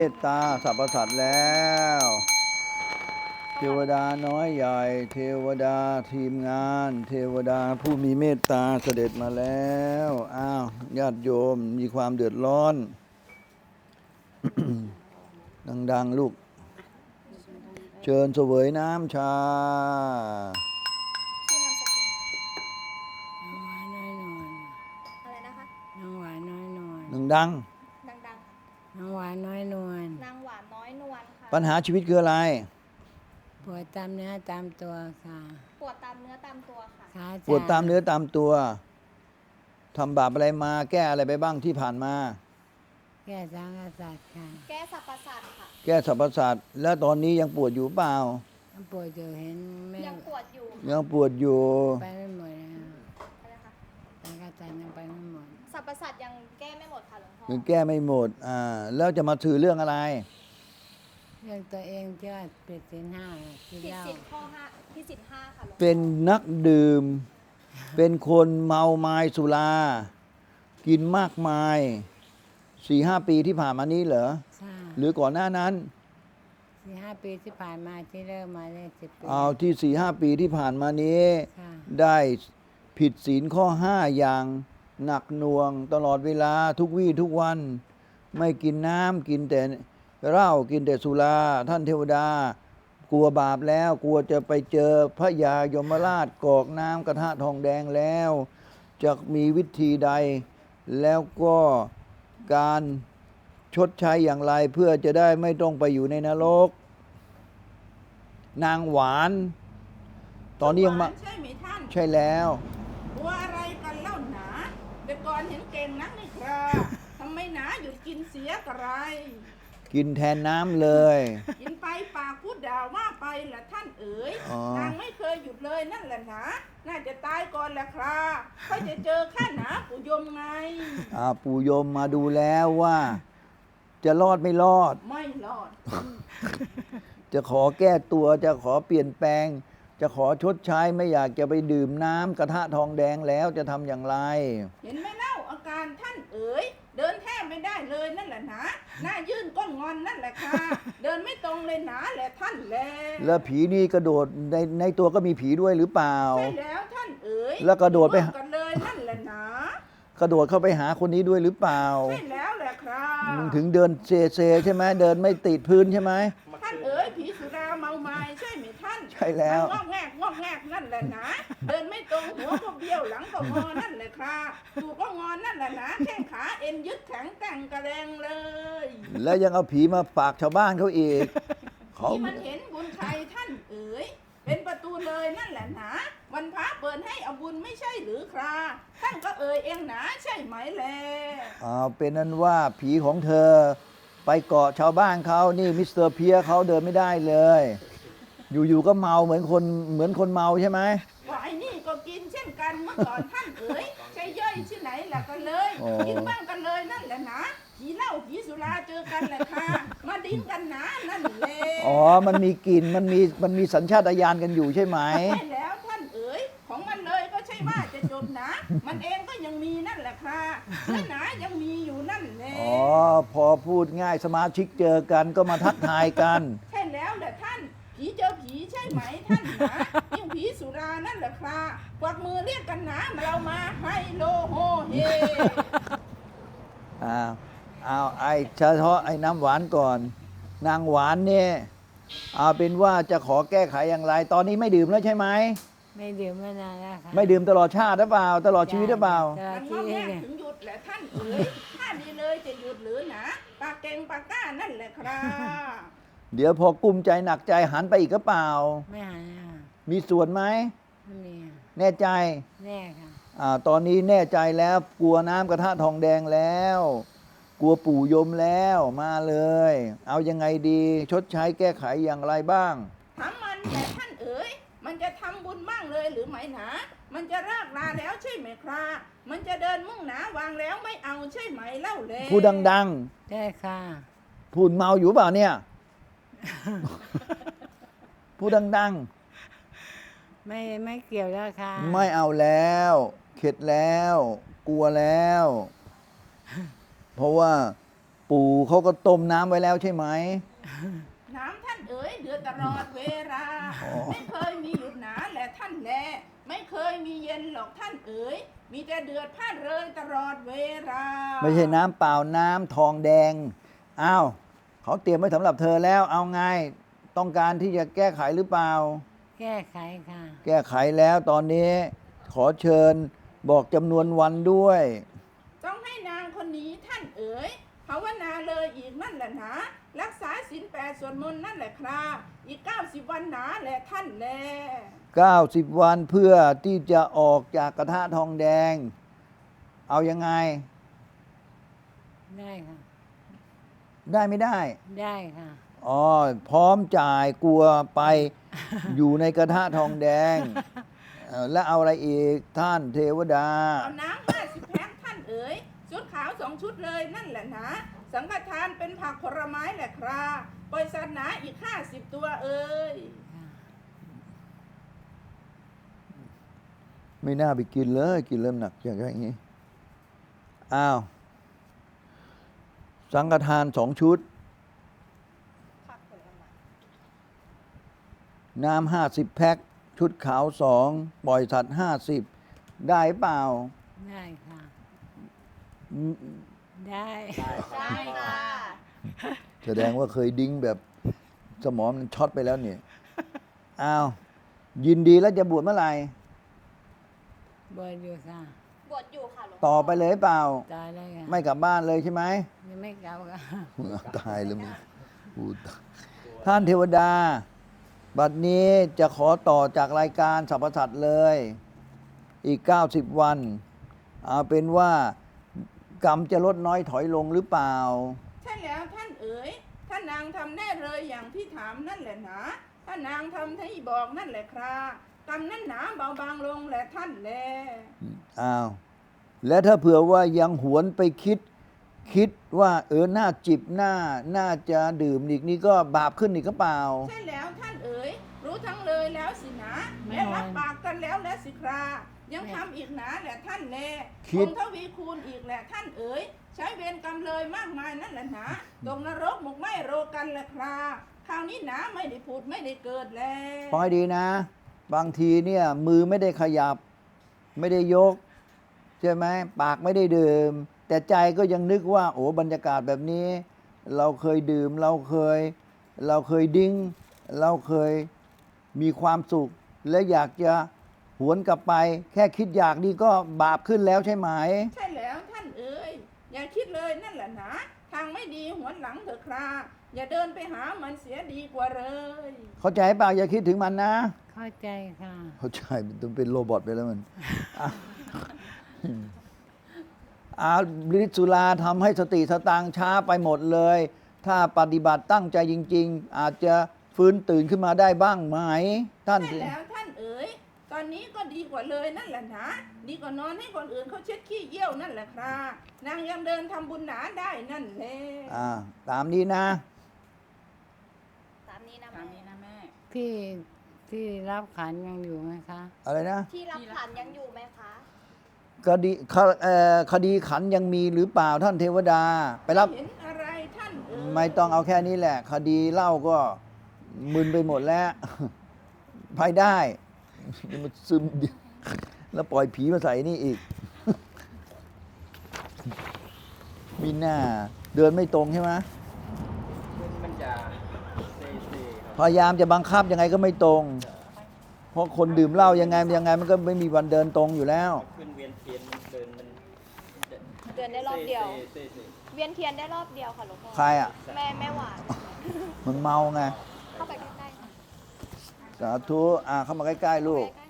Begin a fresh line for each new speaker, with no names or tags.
เมตตาสรรพสัตว์แล้วเทวดาน้อยใหญ่เทวดาทีมงานเทวดาผู้มีเมตตาเสด็จมาแล้วอ้าวญาติโยมมีความเดือดร้อน ดังๆลูกเชิญเสวยน้ำชา
ชื่อนามสกุล
น้องหวานน้อยนวล
อะไรนะคะ
น้องหวานน้อยนวล
ดัง
ดังๆค่ะ
น้องหวานน้อยนวล
นางหวานน้อยนวลค่ะ
ปัญหาชีวิตคืออะไร
ปวดตามเนื้อตามตัวค่ะ
ปวดตามเนื้อตามตัวค่ะ
ขา
ปวดตามเนื้อตามตัวทำบาปอะไรมาแก้อะไรไปบ้างที่ผ่านมา
แก้สังกษัตริย์ค่ะ
แก้สรรพสัตว์ค่ะ
แก้สรรพสัตว์แล้วตอนนี้ยังปวดอยู่เปล่า
ปวดอยู่เห็นแม่
ยังปวดอยู่
ยังปวดอยู่
ไปไม่หมดนะ
อะไรนะคะ
สังกษัตริย์ยังไปไม่หมด
สรรพสัตว์ยังแก้ไม่หมดค่ะหลวงพ่อ
ยังแก้ไม่หมดแล้วจะมาถือเรื่องอะไร
เรื่องตัวเองที่ว่าผิดศีลห้าที่
ผิด
เล่า
ศีลข้อห้าผิดศีลห้าค่ะหลวงพ่อ
เป็นนักดื่ม เป็นคนเมาไม้สุรา กินมากมาย 4-5 ปีที่ผ่านมานี้เหรอ
ค่ะ
หรือก่อนหน้านั้น
4-5 ปีที่ผ่านมาที่เริ่มมาได้10 ปี
เอาที่ 4-5 ปีที่ผ่านมานี้
ค่ะ
ได้ผิดศีลข้อ 5 อย่างหนักหน่วงตลอดเวลาทุกวี่ทุกวัน ไม่กินน้ำกินแต่เหล้ากินแต่สุราท่านเทวดา กลัวบาปแล้วกลัวจะไปเจอพระยายมราชกรอกน้ำกระทะทองแดงแล้ว จะมีวิธีใด แล้วก็การชดใช้อย่างไรเพื่อจะได้ไม่ต้องไปอยู่ในนรก นางหวาน ตอนนี้ยังมา
ใช่ไหมท่าน
ใช่แล้ว
กลัวอะไรกันเล่าหนาแต่ก่อนเห็นเก่งนักนี่ครับ ทำไมหนาหยุดกินเสียกระไร
กินแทนน้ำเลย
กินไปปากพูดด่าว่าไปละท่านเอ๋ย
อ๋อ
นางไม่เคยหยุดเลยนั่นแหละหนาน่าจะตายก่อนแหละครับก็จะเจอข้าหนาปู่ยมไง
ปู่โยมมาดูแล้วว่า จะรอดไม่รอด
ไม่รอด
จะขอแก้ตัวจะขอเปลี่ยนแปลง จะขอชดใช้ไม่อยากจะไปดื่มน้ำกระทะทองแดงแล้วจะทำอย่างไร
เห็นไหมเล่าอาการท่านเอ๋ยเดินแทบไม่ได้เลยนั่นแหละหนาหน้ายื่นก้นงอนนั่นแหละค่ะเดินไม่ตรงเลยหนาแหละท่านแล
แล้วผีนี่กระโดดในตัวก็มีผีด้วยหรือเปล่า
ใช่แล้วท่านเอ๋ย
แล้วกระโดดไป
กันเลยนั่นแหละหนาก
ระโดดเข้าไปหาคนนี้ด้วยหรือเปล่า
ใช่แล้วแหละครับ
มึงถึงเดินเซใช่ไหมเดินไม่ติดพื้นใช่ไหม
ท่านเอ๋ยผีสุราเมาไม้ใช่ไหมท่าน
ใช่แล้ว
มันงอกแงกนั่นแหละนะเดินไม่ตรงหัวก็เบี้ยวหลังก็งอนั่นแหละครับตูก็งอนนั่นแหละนะแข้งขาเอ็นยึดแข็งแต่งกระแดงเลย
แล้วยังเอาผีมาฝากชาวบ้านเขาอีกเขา
ที่มันเห็นบุญใครท่านเอ๋ยเป็นประตูเลยนั่นแหละนะวันพระเปิดให้เอาบุญไม่ใช่หรือครับท่านก็เอ่ยเองนะใช่ไหมแล
เป็นนั้นว่าผีของเธอ ไปเกาะชาวบ้านเขานี่มิสเตอร์เพียเขาเดินไม่ได้เลย อยู่ๆก็เมาเหมือนคนเมาใช่ไหม
ว่าไอ้นี่ก็กินเช่นกันเมื่อก่อนท่านเอ๋ยใช่ย่อยที่ไหนล่ะกันเลย
อ๋อ
กินบ้างกันเลยนั่นแหละนะผีเหล้าผีสุราเจอกันแหละค่ะมาดิ้นกันนะนั่นแหละ
มันมีกลิ่นมันมีสัญชาตญาณกันอยู่ใช่ไหม
ใช่แล้วท่านเอ๋ยของมันเลยก็ใช่ว่าจะจบนะ มันเองก็ยังมีนั่นแหละค่ะและหนายังมีอยู่นั่นแหละ
พอพูดง่ายสมาชิกเจอกันก็มาทักทายกัน
ใช่แล้วแหละท่านผีเจอผีใช่ไหมท่านนะยิ่งผีสุรานั่นแหละค่ะกวักมือเรียกกันนะเรามาไฮโลโฮเฮ
ไอ้เฉพาะไอ้น้ำหวานก่อน นางหวานเนี่ยเอาเป็นว่าจะขอแก้ไขอย่างไร ตอนนี้ไม่ดื่มแล้วใช่ไหม
ไม่ดื่มมานานแล้วค่ะ
ไม่ดื่มตลอดชาติหรือเปล่า ตลอดชีวิตหรือเปล่า
ตลอ
มั
ด
น
ชี
งอ
วิ
แง
ตเนี่ย
ถึงหยุดแหละท่านเอ๋ยถ้าดีเลยจะหยุดหรือหนะปากเก่งปากกล้านั่นแหละครับ
เดี๋ยวพอกุ้มใจหนักใจหันไปอีกก็เปล่า
ไม่หายค่ะ
มีส่วนไหม
ไม่มีค่ะ
แน่ใจ
แน่ค่ะ
ตอนนี้แน่ใจแล้วกลัวน้ำกระทะทองแดงแล้ว กลัวปู่ยมแล้วมาเลย เอายังไงดี ชดใช้แก้ไขอย่างไรบ้าง
ถามมันแต่ท่านเอ๋ยมันจะทำบุญบ้างเลยหรือไม่หนามันจะรากลาแล้วใช่ไหมครับมันจะเดินมุ่งหนาวางแล้วไม่เอาใช่ไหมเล่าเลย
พูดดัง
ใช่ค่ะ
ๆ พูดเมาอยู่เปล่าเนี่ย พูดดัง
ไม่เกี่ยวแล้วค่ะ
ๆ ไม่เอาแล้ว เข็ดแล้ว กลัวแล้ว เพราะว่าปู่เขาก็ต้มน้ำไว้แล้วใช่ไหม
น้ำท่านเอ๋ยเดือดตลอดเวลา ไม่เคยมีหยุดหนาแหละท่านแลไม่เคยมีเย็นหรอกท่านเอ๋ยมีแต่เดือดพล่านเลยตลอดเวลา
ไม่ใช่น้ำเปล่าน้ำทองแดงอ้าวเขาเตรียมไว้สำหรับเธอแล้วเอาไงต้องการที่จะแก้ไขหรือเปล่า
แก้ไขค่ะ
แก้ไขแล้วตอนนี้ขอเชิญบอกจำนวนวันด้วย
ต้องให้นางคนนี้ท่านเอ๋ยภาวนาเลยอีกนั่นแหละนะรักษาศีล8สวดมนต์นั่นแหละครับอีก90 วันหนาแหละท่านแล
90 วันเพื่อที่จะออกจากกระทะทองแดง เอายังไง
ได้ค่ะ
ได้ไม่ได้
ได้ค่ะ
อ๋อพร้อมจ่ายกลัวไป อยู่ในกระทะทองแดงแล้วเอาอะไรอีกท่านเทวดา
เอาน้ำ50 แพ็คท่านเอ๋ยชุดขาว2 ชุดเลยนั่นแหละนะสังฆทานเป็นผักผลไม้แหละครับปล่อยสัตว์หนาอีก50 ตัวเอ๋ย
ไม่น่าไปกินเลยกินเริ่มหนักอย่างนี้อ้าวสังฆทาน2 ชุด
ผักผลไม้
น้ำ50 แพ็คชุดขาว2ปล่อยสัตว์50 ได้เปล่า
ได้ค่ะ
อืม
ได้
ได้ค่ะ
แสดงว่าเคยดิ้งแบบสมองมันช็อตไปแล้วเนี่ยอ้าวยินดีแล้วจะบวชเมื่อไหร่
บวชอยู่ค่ะ
บวชอยู่ค่ะหลวงพ่
ต่อไปเลยเปล่า
ตายเลยค่ะ
ไม่กลับบ้านเลยใช่ไหม
ยังไม่กลับค่ะ
ตายแล้วมึงพูดท่านเทวดา บัดนี้จะขอต่อจากรายการสรรพสัตว์เลย อีก 90 วัน เอาเป็นว่ากรรมจะลดน้อยถอยลงหรือเปล่า
ใช่แล้วท่านเอ๋ยท่านนางทำแน่เลยอย่างที่ถามนั่นแหละนะท่านนางทำที่บอกนั่นแหละครับกรรมนั่นหนาเบาบางลงแหละท่านแล
อ้าว และถ้าเผื่อว่ายังหวนไปคิดว่าน่าจิบน่าจะดื่มอีกนี่ก็บาปขึ้นอีกก็เปล่า
ใช่แล้วท่านเอ๋ยรู้ทั้งเลยแล้วสินะและรับปากกันแล้วและสิครายังทำอีกหนาแหละท่านแล
คิด
คงทวีคูณอีกแหละท่านเอ๋ยใช้เวรกรรมเลยมากมายนั่นแหละนะตกนรกหมกไหมโรกันแหละคราคราวนี้หนาไม่ได้พูดไม่ได้เกิดแล้ว
ฟังให้ดีนะ บางทีเนี่ยมือไม่ได้ขยับ ไม่ได้ยก ใช่ไหมปากไม่ได้ดื่ม แต่ใจก็ยังนึกว่า โอ้บรรยากาศแบบนี้ เราเคยดื่มเราเคยดิ้ง เราเคยมีความสุข และอยากจะหวนกลับไป แค่คิดอยากนี่ก็บาปขึ้นแล้วใช่ไหม
ใช่แล้วท่านเอ๋ยอย่าคิดเลยนั่นแหละนะทางไม่ดีหวนหลังเถอะคราอย่าเดินไปหามันเสียดีกว่าเลย
เข้าใจเปล่าอย่าคิดถึงมันนะ
เข้าใจค่ะ
เข้าใจมันต้องเป็นโรบอทไปแล้วมันอาฤทธิ์สุราทำให้สติสตางค์ช้าไปหมดเลย ถ้าปฏิบัติตั้งใจจริง ๆ อาจจะฟื้นตื่นขึ้นมาได้บ้างไหม ท่าน
ใช่แล้วท่านเอ๋ยตอนนี้ก็ดีกว่าเลยนั่นแหละนะดีกว่านอนให้คนอื่นเขาเช็ดขี้เยี่ยวนั่นแหละครานางยังเดินทำบุญหนาได้นั่นแหละ
ตามนี้นะ
ตามนี้นะ
ตามนี้
แม่
นะแม่
ที่รับขันยังอยู่ไหมคะ
อะไรนะ
ที่รับขันยังอยู่ไหมคะ
คดีขันยังมีหรือเปล่าท่านเทวดา ไปรับ
เห็นอะไรท่านเอ๋ย
ไม่ต้องเอาแค่นี้แหละ คดีเล่าก็มึนไปหมดแล้ว ไปได้มันซึมดิแล้วปล่อยผีมาใส่นี่อีก มีหน้า เดินไม่ตรงใช่ไหม
มันจะเซครับ
พยายามจะบังคับยังไงก็ไม่ตรง เพราะคนดื่มเหล้ายังไงมันก็ไม่มีวันเดินตรงอยู่แล้ว
ขึ้นเวียนเทียนมันเดินมัน
เดินได้รอบเดียว
เซ
เวียนเทียนได้รอบเดียวค่ะหลวงพ่อ
ใครอ่ะ
แม่หวาน
มันเมาไง
เข้าไปใกล้ๆค่ะ
สาธุเข้ามาใกล้ๆลูก
ใกล้